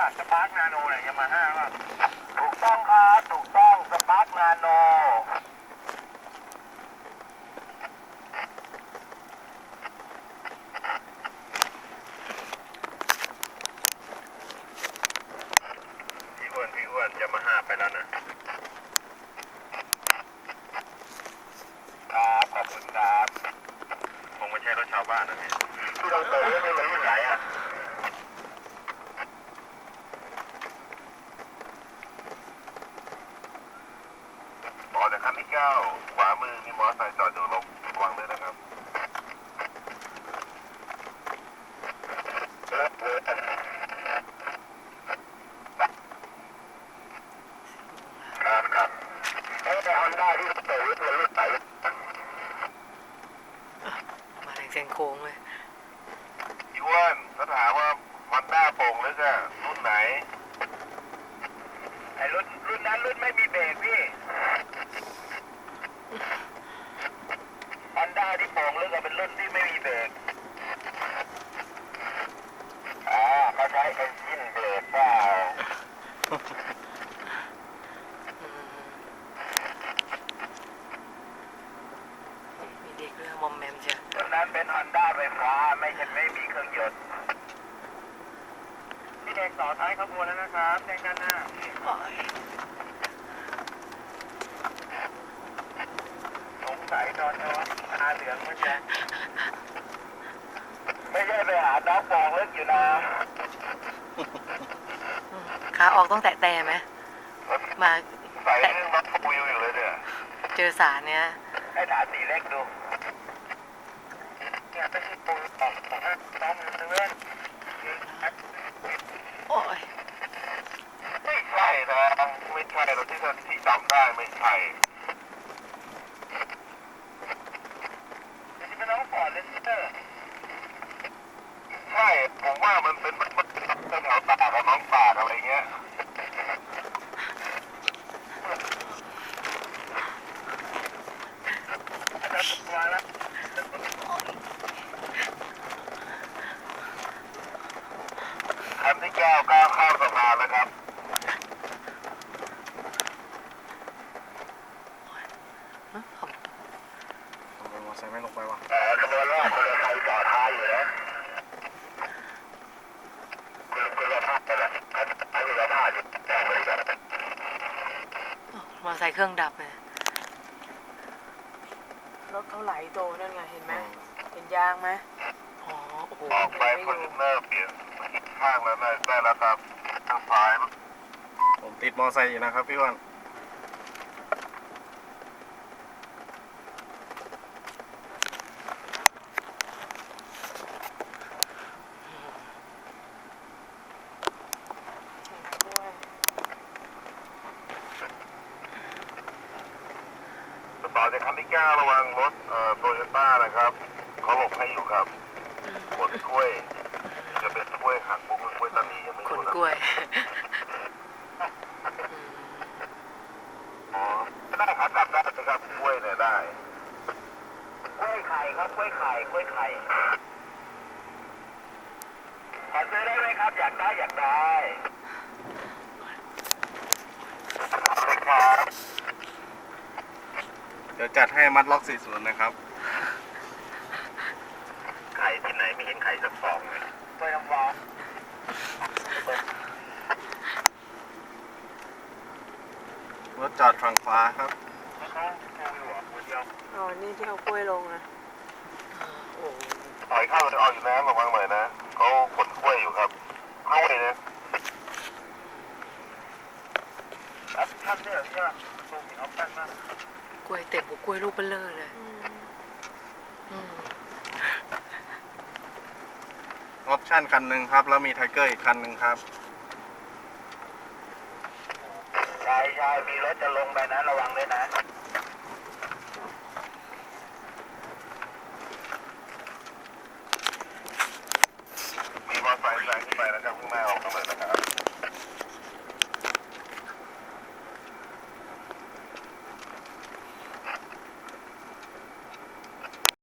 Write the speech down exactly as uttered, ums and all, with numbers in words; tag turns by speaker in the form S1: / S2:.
S1: สปาร์กนาโนเนี่ยยามาฮ่าป่ะถูกต้องครับถูกต้องสปาร์กนาโนพี่อ้วนพี่อ้วนยามาฮ่าไปแล้วนะครับขอบคุณครับคงไม่ใช่รถชาวบ้านนะพี่ที่เราเติมนี่มันรุ่นไหนอ่ะออกจากคันที่เก้าขวามือมีมอเตอร์ไซค์จอดอยู่ลงวางเลยนะครับครับครับเอ้แต่ฮอนด้าที่เติมมันรุ่นไหน
S2: มาถึงเส้นโค้งเลย
S1: พี่อ้วนถ้าถามว่าฮอนด้าโป่งหรือจะรุ่นไหนไอ้รุ่นรุ่นนั้นรุ่นไม่มีเบรกพี่ฮอนด้าที่โป่งหรือก็เป็นรุ่นที่ไม่มีเบรกอ่าเขาใช้เอนจินเบรกเปล่า
S2: มีเด็กด้วยมอมแมมเชียว
S1: รุ่นนั้นเป็นฮอนด้าไฟฟ้าไม่ใช่ไม่มีเครื่องยนต์พี่เด็กต่อท้ายขบวนแล้วนะครับแจ้งด้านหน้าสงสัยตอนนอนตาเหลืองมันจะไม่ใช่ไปหาน้องปองลึกอยู่นะ
S2: ขาออกต้องแตะแต่ไหมมา
S1: ใส่เรื่องรถวิวอยู่เลยเนี่ย
S2: เจอสารเนี้ย
S1: ให้ถามสีเล็กดูเนี่ยไม่ใช่ปูออกของน้องมันเลื่อน
S2: โอ้ย
S1: ไม่ใช่นะไม่ใช่เราที่ที่จำได้ไม่ใช่จะเป็นน้องฟอร์ดเลสเตอร์ใช่ผมว่ามันเป็นมันเป็นแถวตากับน้องตาอะไรเงี้ยคันที่เก้าก้าวข้ามสะพานแล้วครับ
S3: ทำไมมอเตอร์ไซค์ไม่ลงไปวะ
S1: เออขบวนแรกคนละไทยต่อท้ายอยู่นะคุณคุณละภาพไปแล้วคุณละภาพอยู่แต่บริษัท
S2: มอเตอร์ไซค์เครื่องดับเลยรถเขาไหลโตนั่นไงเห็นไหมเห็นยางไหมอ๋อโอ้โห
S1: ออกไปฟอร์จูเนอร์เปลี่ยนข้างแล้วได้แล้วครับทางซ้าย
S3: ผมติดมอเตอร์ไซค์อยู่นะครับพี่อ้วน
S1: ต่อจากคันที่เก้าระวังรถเอ่อโตโยต้านะครับเขาหลบให้อยู่ครับขนกล้วยจะเป็นกล้วยหักบุกกล้วยตานียังไม่รู้นะ
S2: ขนกล้วย
S1: อ๋อได้ครับจับได้นะครับกล้วยเนี่ยได้กล้วยไข่ครับกล้วยไข่กล้วยไข่ขอซื้อได้ไหมครับอยากได้อยากได้ครับ
S3: เดี๋ยวจัดให้มัดล็อกสี่สิบนะครับ
S1: ไข่ที่ไหนไม่เห็นไข่สักฟองเลยกล้วยน้ำว้าร
S3: ถจอดฝั่งขวาครับ
S2: อ๋อนี่ที่เอากล้วยลงนะโอ้
S1: ถอยเข้าเลยเอาอยู่นะระวังหน่อยนะเขาขนกล้วยอยู่ครับเข้าเลยนะท่านเนี่ยใช่ไหมตูมีออปชั่นมาก
S2: กล้วยเต็มหัวกล้วยลูกเบลเลอร์เลย
S3: ออปชั่นคันหนึ่งครับแล้วมีไทเกอร์อีกคันหนึ่งครับ
S1: ใช่ใช่มีรถจะลงไปนะระวังด้วยนะ